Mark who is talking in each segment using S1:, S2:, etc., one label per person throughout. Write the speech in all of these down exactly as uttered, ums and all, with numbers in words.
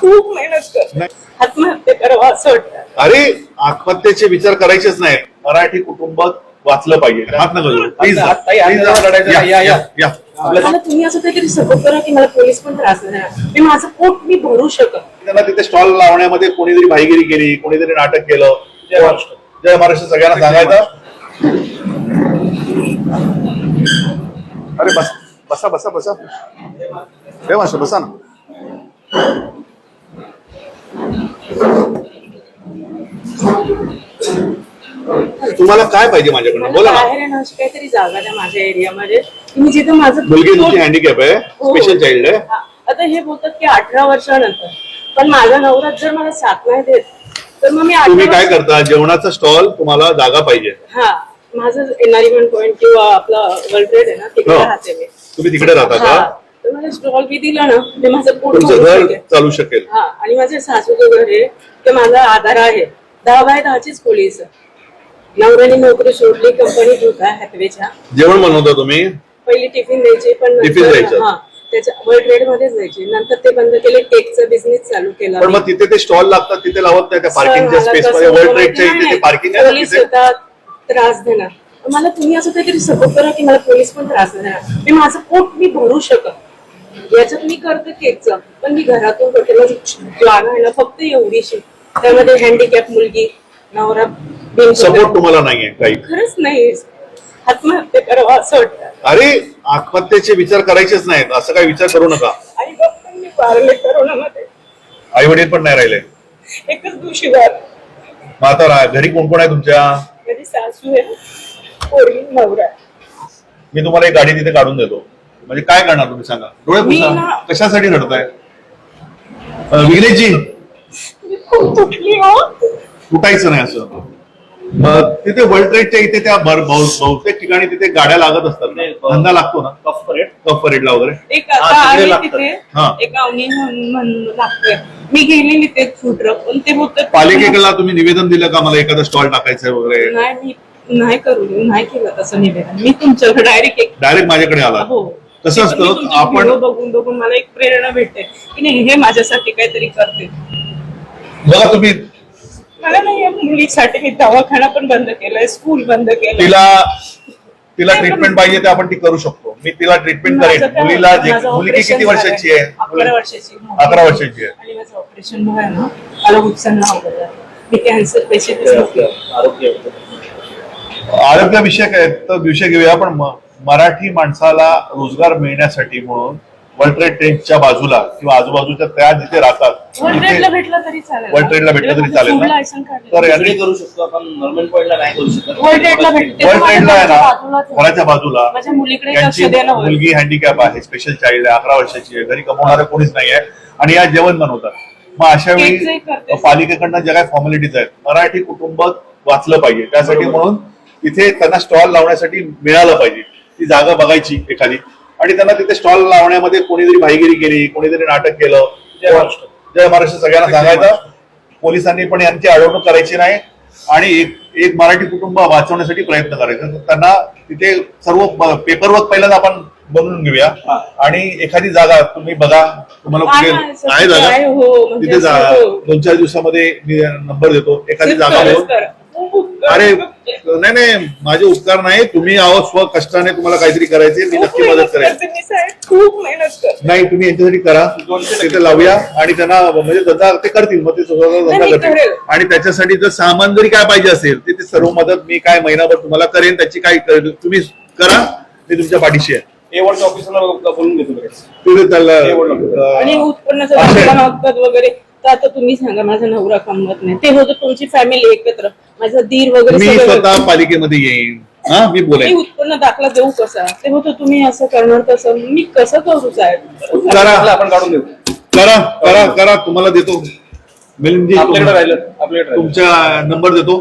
S1: खूप मेहनत करते, आत्महत्या करावं असं वाटतं.
S2: अरे आत्महत्येचे विचार करायचेच नाही. मराठी कुटुंब वाचलं पाहिजे. हात नका जोडू. प्लीज
S1: मला तुम्ही असं काहीतरी सपोर्ट करा की मला पोलीस पण त्रास नाही देणार. मी माझं पोट मी भरू शकत.
S2: त्यांना तिथे स्टॉल लावण्यामध्ये कोणीतरी भाईगिरी केली, कोणीतरी नाटक केलं. जय महाराष्ट्र. जय महाराष्ट्र सगळ्यांना सांगायचं. अरे बस बसा बसा बसा जय महाराष्ट्र बसा ना. तुम्हाला काय पाहिजे माझ्याकडनं बोला ना.
S1: बाहेर येणं अशी काहीतरी जागा द्या माझ्या एरियामध्ये. तुम्ही जिथे माझं
S2: मुलगी तुमची हँडिकॅप आहे, स्पेशल चाइल्ड आहे.
S1: आता हे बोलतात की अठरा वर्षानंतर, पण माझा नवरा जर मला साथ नाही देत तर मग मी
S2: तुम्ही काय करता? जेवणाचा स्टॉल तुम्हाला जागा पाहिजे.
S1: हा माझं एनआरमेंट पॉइंट किंवा आपला वर्ल्ड ट्रेड आहे ना तिकडे राहते मी.
S2: तुम्ही तिकडे राहता का?
S1: तर मला स्टॉल बी दिला ना ते माझं पोट
S2: तुमचं घर चालू शकेल.
S1: हा आणि माझे सासूचं घर आहे ते माझा आधार आहे. दहा बाय दहाचीच पोलीस. नवऱ्याने नोकरी सोडली, कंपनीत होता हॅथवेच्या.
S2: जेवण बनवता तुम्ही?
S1: पहिली टिफिन द्यायची, पण
S2: टिफिन द्यायचं
S1: हा त्याच्या वर्ल्ड ट्रेड मध्येच द्यायची. नंतर ते बंद केले, केकचा बिझनेस चालू केला.
S2: पण मग तिथे ते स्टॉल लागतात, तिथे लावत नाही त्या पार्किंगच्या स्पेस मध्ये. वर्ल्ड ट्रेडच्या इथे पार्किंग आहे
S1: पोलीस येतात, त्रास देणार. मला तुम्ही असं काहीतरी सपोर्ट करा की मला पोलीस पण त्रास देणार. मी माझं पोट मी भरू शकत. याच्यात मी करते केकचं, पण मी घरातून करते. माझी जागा आहे ना फक्त एवढीशी, त्यामध्ये हँडिकॅप मुलगी, नवरा.
S2: सपोर्ट तुम्हाला नाहीये काही?
S1: खरंच नाही. आत्महत्या करावं असं वाटतं.
S2: अरे आत्महत्येचे विचार करायचेच नाहीत. असं काही विचार करू नका.
S1: आई बापांनी वारले करोनामध्ये.
S2: आई वडील पण नाही राहिले.
S1: एकच दिवशी वार.
S2: मग आता घरी कोण कोण आहे तुमच्या?
S1: माझी सासू आहे, पोरगी, नवरा.
S2: मी तुम्हाला एक गाडी तिथे काढून देतो. म्हणजे काय करणार तुम्ही सांगा? डोळे पुसा. कशासाठी रडताय? विघ्नेशजी
S1: खूप तुटली हो.
S2: तुटायचं नाही असं. मग तिथे वर्ल्ड ट्रेडच्या इथे त्या बहुतेक ठिकाणी तिथे गाड्या लागत असतात. धंदा लागतो ना कफ परेड, कफ परेडला वगैरे.
S1: एक आता आहे तिथे एक अवनी म्हणून लागतोय. मी गेलेली ते फूड ट्रक, पण ते बोलतात
S2: पालिकेला तुम्ही निवेदन दिलं का मला एखादा स्टॉल टाकायचंय वगैरे?
S1: नाही, मी नाही करू नाही केलं तसं निवेदन. मी तुमच्याकडे डायरेक्ट
S2: डायरेक्ट माझ्याकडे आला.
S1: हो
S2: कसं असतं आपण
S1: बघून बघून मला एक प्रेरणा भेटते की नाही हे माझ्यासाठी काहीतरी करते.
S2: बघा तुम्ही,
S1: मला नाही मुलीसाठी मी दवाखाना पण बंद केलाय, स्कूल बंद केलं.
S2: तिला तिला ट्रीटमेंट पाहिजे ते आपण ती करू शकतो. मी तिला ट्रीटमेंट करेन. मुलीला मुलगी किती वर्षाची आहे?
S1: अकरा वर्षाची.
S2: अकरा वर्षाची आहे.
S1: आणि माझं ऑपरेशन मुळे ना मला उत्सन्न आवडलं. मी कॅन्सर पेशंट.
S2: आरोग्य विषयक आहे तर विषय घेऊया. पण मराठी माणसाला रोजगार मिळण्यासाठी म्हणून वर्ल्ड ट्रेड ट्रेनच्या बाजूला किंवा आजूबाजूच्या त्या जिथे राहतात
S1: वर्ल्ड ट्रेडला भेटला तरी चालेल.
S2: वर्ल्ड ट्रेडला भेटलं तरी चालेल ना.
S3: तर याकडे करू शकतो आपण. नॉर्मल पॉइंटला नाही करू शकत.
S1: वर्ल्ड ट्रेडला भेटते.
S2: वर्ल्ड ट्रेडला आहे ना घराच्या बाजूला.
S1: माझ्या मुलीकडे लक्ष
S2: त्यांची
S1: द्यायला
S2: मुलगी हँडिकॅप आहे, स्पेशल चाइल्ड आहे, अकरा वर्षाची आहे, घरी कमवणारं कोणीच नाही आहे आणि या जेवण बनवतात. मग अशा वेळी पालिकेकडनं ज्या काही फॉर्मॅलिटीज आहेत, मराठी कुटुंब वाचलं पाहिजे. त्यासाठी म्हणून तिथे त्यांना स्टॉल लावण्यासाठी मिळालं पाहिजे. ती जागा बघायची एखादी आणि त्यांना तिथे स्टॉल लावण्यामध्ये कोणीतरी भाईगिरी केली, कोणीतरी नाटक केलं. जय महाराष्ट्र. जय महाराष्ट्र सगळ्यांना सांगायचं. पोलिसांनी पण यांची अडवणूक करायची नाही आणि एक एक मराठी कुटुंब वाचवण्यासाठी प्रयत्न करायचा. त्यांना तिथे सर्व पेपरवर्क पहिल्यांदा आपण बनवून घेऊया आणि एखादी जागा तुम्ही बघा. तुम्हाला कुठे आहे जागा तिथे जा. दोन चार दिवसामध्ये मी नंबर देतो. एखादी जागा घेऊन. अरे नाही नाही माझे उपकार नाही. तुम्ही आहो स्व कष्टाने तुम्हाला काहीतरी करायचे. मी नक्की मदत करेन.
S1: खूप मेहनत करते.
S2: नाही तुम्ही यांच्यासाठी करा. तिथे लावूया आणि त्यांना म्हणजे धंदा ते करतील. मग ते स्वतःचा धंदा करतील आणि त्याच्यासाठी जर सामान जरी काय पाहिजे असेल ते सर्व मदत मी काय महिनाभर तुम्हाला करेन. त्याची काय तुम्ही करा. मी तुमच्या पाठीशी आहे.
S3: एवढच्या ऑफिसला बोलून घेतो
S2: तिथे त्याला
S1: आणि उत्पन्नाचा दाखला मागतात वगैरे. तर आता तुम्ही सांगा माझा नवरा कमवत नाही. ते होतं तुमची फॅमिली एकत्र, माझा दीर वगैरे.
S2: मी स्वतः पालिकेमध्ये येईन. हा मी बोलेन.
S1: उत्पन्न दाखला देऊ कसा? ते होतं तुम्ही असं करणार तसं. मी कसं करू साहेब?
S2: करा
S3: आपण काढून देऊ.
S2: करा करा करा तुम्हाला देतो. मिलिंदजी
S3: आपल्याकडे राहिलं आपल्याकडे
S2: तुमचा नंबर देतो.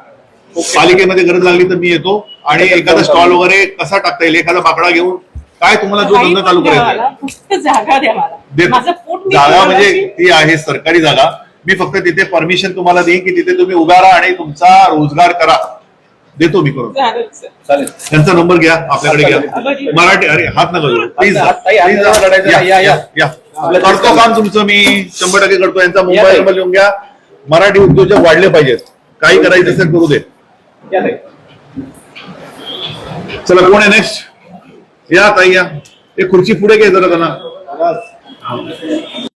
S2: पालिकेमध्ये गरज लागली तर मी येतो आणि एखादा स्टॉल वगैरे कसा टाकता येईल एखादा बाकडा घेऊन काय तुम्हाला जो धंदा चालू करायचा
S1: फक्त जागा द्या मला. माझं पोट
S2: जागा म्हणजे ती आहे सरकारी जागा. मी फक्त तिथे परमिशन तुम्हाला देईन की तिथे तुम्ही उभा राहा आणि तुमचा रोजगार करा. देतो मी करून.
S3: चालेल.
S2: त्यांचा नंबर घ्या आपल्याकडे घ्या. मराठी. अरे हात नका जोडू प्लीज.
S3: या
S2: करतो काम तुमचं मी शंभर टक्के करतो. यांचा मोबाईल नंबर लिहून घ्या. मराठी उद्योजक वाढले पाहिजेत. काही करायचं असेल करू दे. चला कोण आहे नेक्स्ट? या ताई या. एक खुर्ची पुढे घे जरा त्यांना.